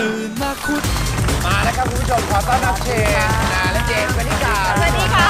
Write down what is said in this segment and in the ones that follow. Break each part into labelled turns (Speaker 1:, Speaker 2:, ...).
Speaker 1: ตื่นมาคุด
Speaker 2: มาแล้วครับคุณผู้ชมขอต้อนรับเชนนะและเจนสวัสดีค่ะ
Speaker 3: สวัสดีค่ะ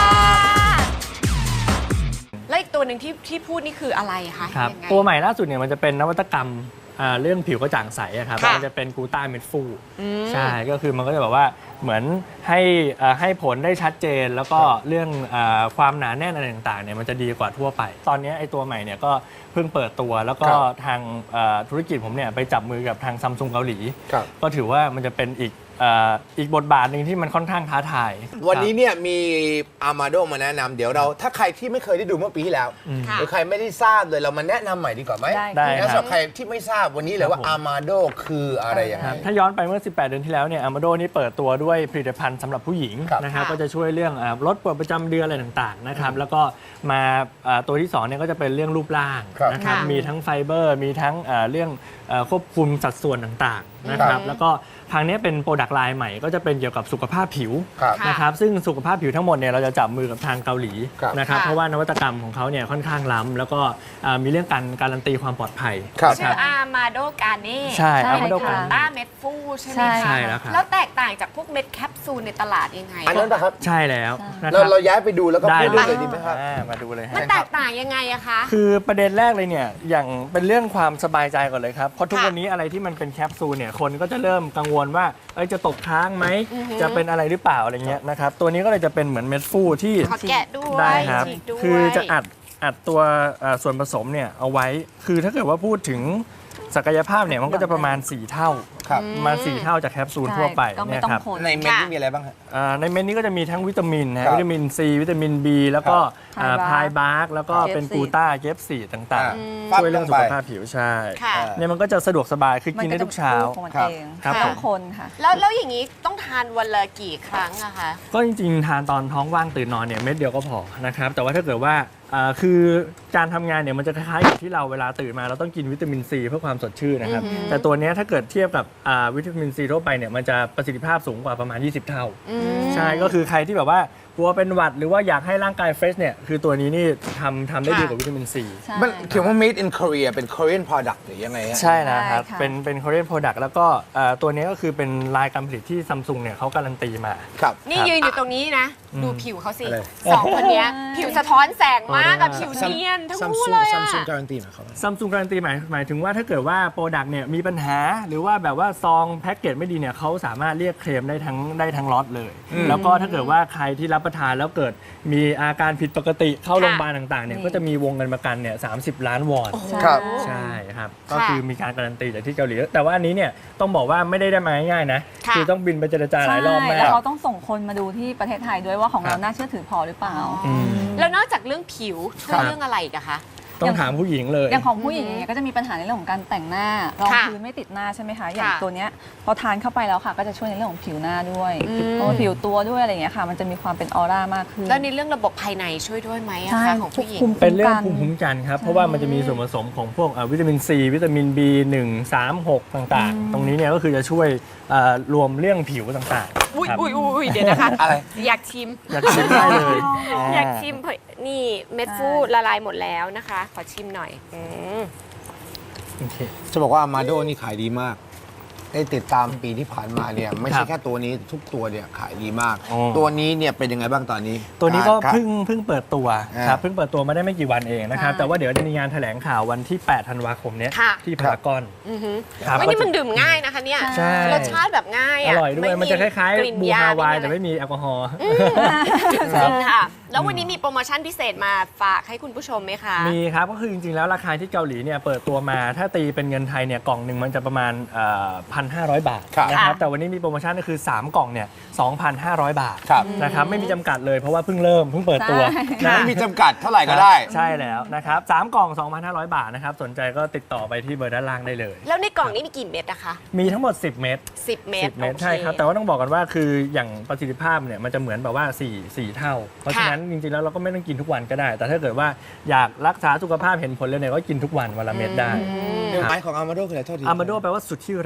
Speaker 3: แล้วอีกตัวหนึ่งที่พูดนี่คืออะไรคะ
Speaker 4: ครับ
Speaker 3: ยังไง
Speaker 4: ตัวใหม่ล่าสุดเนี่ยมันจะเป็นนวัตกรรมเรื่องผิวกระจ่างใสอะครับ
Speaker 3: ค่ะ
Speaker 4: มันจะเป็นกลูต้าเม็ดฟูใช่ก็คือมันก็จะแบบว่าเหมือนให้ผลได้ชัดเจน แล้วก็เรื่องความหนาแน่นอะไรต่างๆเนี่ยมันจะดีกว่าทั่วไป ตอนนี้ไอ้ตัวใหม่เนี่ยก็เพิ่งเปิดตัวแล้วก็ทางธุรกิจผมเนี่ยไปจับมือกับทางซัมซุงเกาหลีก็ถือว่ามันจะเป็นอีกบทบาทหนึ่งที่มันค่อนข้างท้าทาย
Speaker 2: วันนี้เนี่ยมีอามาโดมาแนะนำเดี๋ยวเราถ้าใครที่ไม่เคยได้ดูเมื่อปีที่แล้ว
Speaker 3: ค่ะ
Speaker 2: หรือใครไม่ได้ทราบเลยเรามาแนะนำใหม่ดีกว่าไหม
Speaker 4: ได้
Speaker 2: งั้น
Speaker 4: ค
Speaker 2: สำห
Speaker 4: รั
Speaker 2: รับ บใครที่ไม่ทราบวันนี้เลยว่าอามาโดคืออะไรยังไง
Speaker 4: ครับถ้าย้อนไปเมื่อ 18 เดือนที่แล้วเนี่ยอามาโดนี่เปิดตัวด้วยผลิตภัณฑ์สำหรับผู้หญิง
Speaker 2: ครับ
Speaker 4: นะครับ
Speaker 3: ค่ะ
Speaker 4: ก็จะช่วยเรื่องลดปวดประจำเดือนอะไรต่างๆนะครับแล้วก็มาตัวที่2เนี่ยก็จะเป็นเรื่องรูปร่าง
Speaker 2: ครับ
Speaker 4: นะครับ
Speaker 3: ค่ะ
Speaker 4: มีทั้งไฟเบอร์มีทั้งเรื่องควบคุมสัดส่วนต่างๆนะครับแล้วก็ทางนี้เป็นโปรดักต์ไลน์ใหม่ก็จะเป็นเกี่ยวกับสุขภาพผิว
Speaker 2: ครับ
Speaker 3: ค่ะ
Speaker 4: นะครับซึ่งสุขภาพผิวทั้งหมดเนี่ยเราจะจับมือกับทางเกาหลี
Speaker 2: ครับ
Speaker 4: นะครับ
Speaker 3: ค่ะ
Speaker 4: เพราะว่านวัตกรรมของเขาเนี่ยค่อนข้างล้ำแล้วก็มีเรื่องการันตีความปลอดภัย
Speaker 2: ครับ
Speaker 3: ชื่ออามาโดกาเน่
Speaker 4: ใช่ Amado
Speaker 3: ค่ะ
Speaker 4: Garnet
Speaker 3: ต้าเม็ดฟูใช่ไหม
Speaker 5: ใช่
Speaker 3: คะ
Speaker 4: ใช่แล้วครับ
Speaker 3: แล้วแตกต่างจากพวกเม็ดแคปซูลในตลาดยังไง
Speaker 2: อันนั้นนะครับ
Speaker 4: ใช่แล้วนะค
Speaker 2: เรา
Speaker 4: รับ
Speaker 2: เราย้ายไปดูแล้วก็
Speaker 4: ได้
Speaker 2: พูดเรื่องเลยดีไหมครับ
Speaker 4: มาดูเลยฮะ
Speaker 3: มันแตกต่างยังไงอะคะ
Speaker 4: คือประเด็นแรกเลยเนี่ยอย่างเป็นเรื่องความสบายใจก่อนเลยครับเพราะทุก
Speaker 3: ค่ะ
Speaker 4: วันนี้อะไรที่มันเป็นแคปซูลเนี่ยคนก็จะเริ่มกังวลว่าจะตกค้างไหม
Speaker 3: อือฮึ
Speaker 4: จะเป็นอะไรหรือเปล่าอะไรเงี้ยนะครับตัวนี้ก็เลยจะเป็นเหมือนเม็ดฟูที่
Speaker 3: ขอแกะด้วย
Speaker 4: ได้ครับ
Speaker 3: ฉีกด้วย
Speaker 4: คือจะอัดตัวส่วนผสมเนี่ยเอาไว้ คือถ้าเกิดว่าพูดถึงศักยภาพเนี่ยมันก็จะประมาณ 4 เท่า
Speaker 2: ครับ
Speaker 4: ประมาณ4 เท่าจากแคปซูลทั่วไป
Speaker 5: ก็ไม่
Speaker 4: เนี่ย
Speaker 5: ต้อง
Speaker 4: ครับ
Speaker 5: คน
Speaker 2: ในเม็ดนี่มีอะไรบ้างฮะ
Speaker 4: ในเม็ดนี้ก็จะมีทั้งวิตามินนะ
Speaker 2: ครั
Speaker 4: ฮะ
Speaker 2: บ
Speaker 4: วิตามินซีวิตามิน B แล้วก็
Speaker 5: ครับ
Speaker 4: พายบาร์กแล้วก็เป็น
Speaker 5: เจฟซี
Speaker 4: กลูต้าเจฟซีต่าง
Speaker 2: ปั๊
Speaker 4: ๆ
Speaker 2: บ
Speaker 4: ช่วยเรื่อง
Speaker 2: ล
Speaker 4: สุ
Speaker 2: งไป
Speaker 4: ขภาพผิวใช่
Speaker 3: ค่ะ
Speaker 4: เนี่ยมันก็จะสะดวกสบายคือกินได้ทุกเช้า
Speaker 5: ของมัน
Speaker 2: ครับ
Speaker 5: เอง
Speaker 4: ครับ
Speaker 5: ต้
Speaker 4: ผ
Speaker 5: อง
Speaker 4: ม
Speaker 5: คนค่ะ
Speaker 3: แล้วอย่างนี้ต้องทานวันละกี่ครั้งอะคะ
Speaker 4: ก็จริงๆ ทานตอนท้องว่างตื่นนอนเนี่ยเม็ดเดียวก็พอนะครับแต่ว่าถ้าเกิดว่าคือการทำงานเนี่ยมันจะคล้ายๆกับที่เราเวลาตื่นมาเราต้องกินวิตามินซีเพื่อความสดชื่นนะครับแต่ตัวเนี้ยถ้าเกิดเทียบกับวิตามินซีทั่วไปเนี่ยมันจะประสิทธิภาพสูงกว่าประมาณ 20 เท่า ใช่ก็คือใครที่แบบว่ากลัวเป็นหวัดหรือว่าอยากให้ร่างกายเฟรชเนี่ยคือตัวนี้นี่ทำได้ดีกว่าวิตามินซี
Speaker 5: ใช่
Speaker 2: มันเขียนว่า made in Korea เป็น Korean product หรือยังไงฮะ
Speaker 4: ใช่นะครับ
Speaker 5: ใช่ค่ะ
Speaker 4: เป็น Korean product แล้วก็ตัวนี้ก็คือเป็นลายการผลิตที่ซัมซุงเนี่ยเขาการันตีมา
Speaker 2: ครับ
Speaker 3: นี่ยืนอยู่ตรงนี้นะ ดูผิวเขาสิ
Speaker 2: อะไร
Speaker 3: สองคนเนี้ยผิวสะท้อนแสงมากกับผิวเนียนทั้งคู่เลยอะ
Speaker 2: ซัมซุงการันตีหมายความว่า
Speaker 4: ซัมซุงการันตีหมายถึงว่าถ้าเกิดว่าโปรดักต์เนี่ยมีปัญหาหรือว่าแบบว่าซองแพ็กเกจไม่ดีเนี่ยเขาสามารถเรียกเคลมได้ทั้งล็อตเลย แล้วก็ถ้าเกิดว่าใครที่รับประทานแล้วเกิดมีอาการผิดปกติเข้าโรงพยาบาลต่างๆเนี่ยก็จะมีวงเงินประกันเนี่ย30 ล้านวอน
Speaker 2: ครับ
Speaker 4: ใช่ครับก็คือมีการการันตีจากที่เกาหลีแต่ว่าอันนี้เนี่ยต้องบอกว่าไม่ได้มาง่ายๆนะ
Speaker 3: ค่ะ
Speaker 4: คือต้องบินไปเจรจาหลายรอบมา
Speaker 5: ใช่แล้ว
Speaker 4: ก
Speaker 5: เขาต้องส่งคนมาดูที่ประเทศไทยด้วยว่าของเราน่าเชื่อถือพอหรือเปล่า
Speaker 3: แล้วนอกจากเรื่องผิวช่วยเรื่องอะไรอีกอะคะ
Speaker 4: ต้องถามผู้หญิงเลย
Speaker 5: อย่างของผู้หญิงเนี่ยก็จะมีปัญหาในเรื่องของการแต่งหน้ารอง
Speaker 3: ค่ะ
Speaker 5: พื้นไม่ติดหน้าใช่ไหมคะ อย่าง
Speaker 3: ค่ะ
Speaker 5: ตัวเนี้ยพอทานเข้าไปแล้วค่ะ ก็จะช่วยในเรื่องของผิวหน้าด้วย
Speaker 3: อืม
Speaker 5: เพราะว่าผิวตัวด้วยอะไรอย่างเงี้ยค่ะ มันจะมีความเป็นออร่ามากขึ้น
Speaker 3: แล้วในเรื่องระบบภายในช่วยด้วยไหมอะ
Speaker 5: ใช่
Speaker 3: คะของผู้หญิง
Speaker 5: ควบคุม
Speaker 4: เป็นเรื่องภูมิคุ้มกันครับ เพราะว่ามันจะมีส่วนผสมของพวกวิตามินซีวิตามิน B1 3 6 ต่างๆ ตรงนี้เนี่ยก็คือจะช่วยรวมเรื่องผิวต่างๆ
Speaker 3: อุ้ย
Speaker 4: ครับ
Speaker 3: อุ้ยเดี๋ยวนะคะ
Speaker 2: อะไร
Speaker 3: อยากชิม
Speaker 4: อยากชิมได้เลย
Speaker 3: อยากชิมเผยนี่เม็ดฟูละลายหมดแล้วนะคะ ขอชิมหน่อยม
Speaker 4: โอเค
Speaker 2: จะบอกว่าอามาโดนี่ขายดีมาก ได้ติดตามปีที่ผ่านมาเนี่ยไม่
Speaker 4: ครั
Speaker 2: ใช่
Speaker 4: บ
Speaker 2: แค่ตัวนี้ทุกตัวเนี่ยขายดีมาก
Speaker 4: อ๋อ
Speaker 2: ตัวนี้เนี่ยเป็นยังไงบ้างตอนนี้
Speaker 4: ตัวนี้ก็
Speaker 2: ครับ
Speaker 4: เพิ่งเปิดตัวครับเพิ่งเปิดตัวมาได้ไม่กี่วันเองนะครับ
Speaker 5: ใช่
Speaker 4: แต่ว่าเดี๋ยวจะมีงานแถลงข่าววันที่ 8 ธันวาคมเนี้ย
Speaker 3: ค่ะ
Speaker 4: ที่พารากอน
Speaker 3: อือหือ
Speaker 4: ครับ
Speaker 3: ไม่นี่มันดื่มง่ายนะคะเนี่ย
Speaker 4: ใช่
Speaker 3: รสชาติแบบง่าย
Speaker 4: อ
Speaker 3: อะ
Speaker 4: ร่อยด้วยมันจะคล้าย
Speaker 3: กลิ่น
Speaker 4: ๆบู
Speaker 3: ย
Speaker 4: ฮาวาย
Speaker 3: อะ
Speaker 4: แต่
Speaker 3: ไร
Speaker 4: ไม่มีแอลกอฮอล์
Speaker 3: จริงค่ะ แล้ววันนี้มีโปรโมชั่นพิเศษมาฝากให้คุณผู้ชมไหมคะ
Speaker 4: มีครับก็คือจริงๆแล้วราคาที่เกาหลีเนี่ยเปิดตัวมาถ้าตีเป็นเงินไทยเนี่ยกล่องหนึ่งมันจะประมาณ1,500 บาท
Speaker 2: ครับ
Speaker 4: นะครับแต่วันนี้มีโปรโมชั่นก็คือ 3 กล่องเนี่ย 2,500 บาท
Speaker 2: ครับ
Speaker 4: นะครับไม่มีจำกัดเลยเพราะว่าเพิ่งเปิดตัว
Speaker 5: ใช่
Speaker 4: นะ
Speaker 2: ไม่มีจำกัดเท่าไหร่ก็ได้
Speaker 4: ใช่แล้วนะครับ3กล่อง 2,500 บาทนะครับสนใจก็ติดต่อไปที่เบอร์ด้านล่างได้เลย
Speaker 3: แล้วในกล่องนี้มีกี่เม็ดนะคะ
Speaker 4: มีทั้งหมด 10 เม็ด
Speaker 3: 10 เม็ด
Speaker 4: 10 เม็ด
Speaker 3: โอ
Speaker 4: ใช่ครับแต่ว่าต้องบอกกันว่าคืออย่างประสิทธิภาพเนี่ยมันจะเหมือนแบบว่า4 เท่า เพราะฉะนั้นจริงๆแล้วเราก็ไม่ต้องกินทุกวันก็ได้ แต่ถ้าเกิดว่าอยากรักษาสุขภาพเห็นผลเลยเนี่ยก็กินทุกวันวันละเม็ดได้
Speaker 2: เดี๋ยวหมายของอามาโดคืออะไรโทษที
Speaker 4: อามาโดแปลว่าสุดที่รักในภา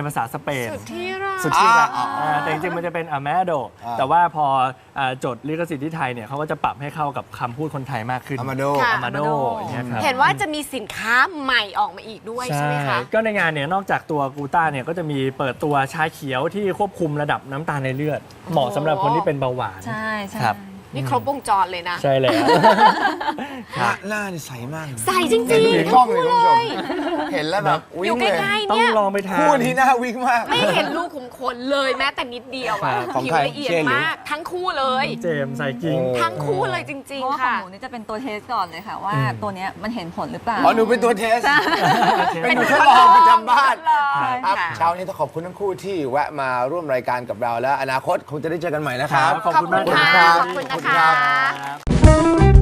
Speaker 4: ภาษาสเปน
Speaker 3: สุดที่รัก
Speaker 4: สุดที่รัก
Speaker 2: อ่า
Speaker 4: แต่จริงๆมันจะเป็นอ m มโด
Speaker 2: อ่า
Speaker 4: แต่ว่าพอจดลิขสิทธิ์ที่ไทยเนี่ยเขาก็จะปรับให้เข้ากับคำพูดคนไทยมากขึ้น
Speaker 2: อามาโด
Speaker 3: ค่ะ
Speaker 4: อามาโดอย่างเงี้ยครับ
Speaker 3: เห็นว่าจะมีสินค้าใหม่ออกมาอีกด้วยใช่ไหมคะ
Speaker 4: ก็ในงานเนี่ยนอกจากตัวกูต้าเนี่ยก็จะมีเปิดตัวชาเขียวที่ควบคุมระดับน้ำตาลในเลือด เหมาะสำหรับคนที่เป็นเบาหวาน
Speaker 5: ใช่ใช่
Speaker 4: ครับ
Speaker 3: นี่ครบวงจรเลยนะ
Speaker 4: ใช่แล้ว
Speaker 2: หน้านี่ใสมาก
Speaker 3: ใส่จริง
Speaker 2: เห็น
Speaker 3: ๆ
Speaker 2: กล้องเลยคุณผู้ชม เห็นแล้วแบบ
Speaker 3: อ
Speaker 2: วิ่
Speaker 3: ยู่
Speaker 2: ง
Speaker 3: ใก
Speaker 2: เลย
Speaker 3: ล้ๆ
Speaker 4: ต้อง
Speaker 3: เนี่ย
Speaker 4: ลองไปทาน
Speaker 2: คู่นี้น่าวิ่งมาก
Speaker 3: ไม่เห็นรูขุมขนเลยแม้แต่นิดเดียวอะ
Speaker 2: ของ
Speaker 3: ผิว
Speaker 2: ใคร
Speaker 3: ละเอียด
Speaker 2: เช่หรือ
Speaker 3: มากทั้งคู่เลย
Speaker 4: เจมส์ไซกิ้ง
Speaker 2: โอ้
Speaker 3: ทั้งคู่เลยจริ
Speaker 5: เพ
Speaker 3: ง
Speaker 5: ราะว่า
Speaker 3: ๆ
Speaker 5: ของ
Speaker 3: ค่ะ
Speaker 5: หนูนี่จะเป็นตัวเทสก่อนเลยค่ะ ว่าตัวเนี้ยมันเห็นผลหรือเปล่า
Speaker 2: อ๋อหนูเป็นตัวเทส เป็นหนูทดลองประจำบ้านครับ
Speaker 3: ค่ะ
Speaker 2: เช้านี้ต้องขอบคุณทั้งคู่ที่แวะมาร่วมรายการกับเราแล้ว อนาคตคงจะได้เจอกันใหม่นะครับ
Speaker 4: ขอบคุณมาก
Speaker 3: ขอบคุณ
Speaker 4: ครั
Speaker 3: ค่ะ
Speaker 4: บ
Speaker 3: ขอบคุณนะ
Speaker 2: ขอบคุณครั
Speaker 3: คะ
Speaker 2: บ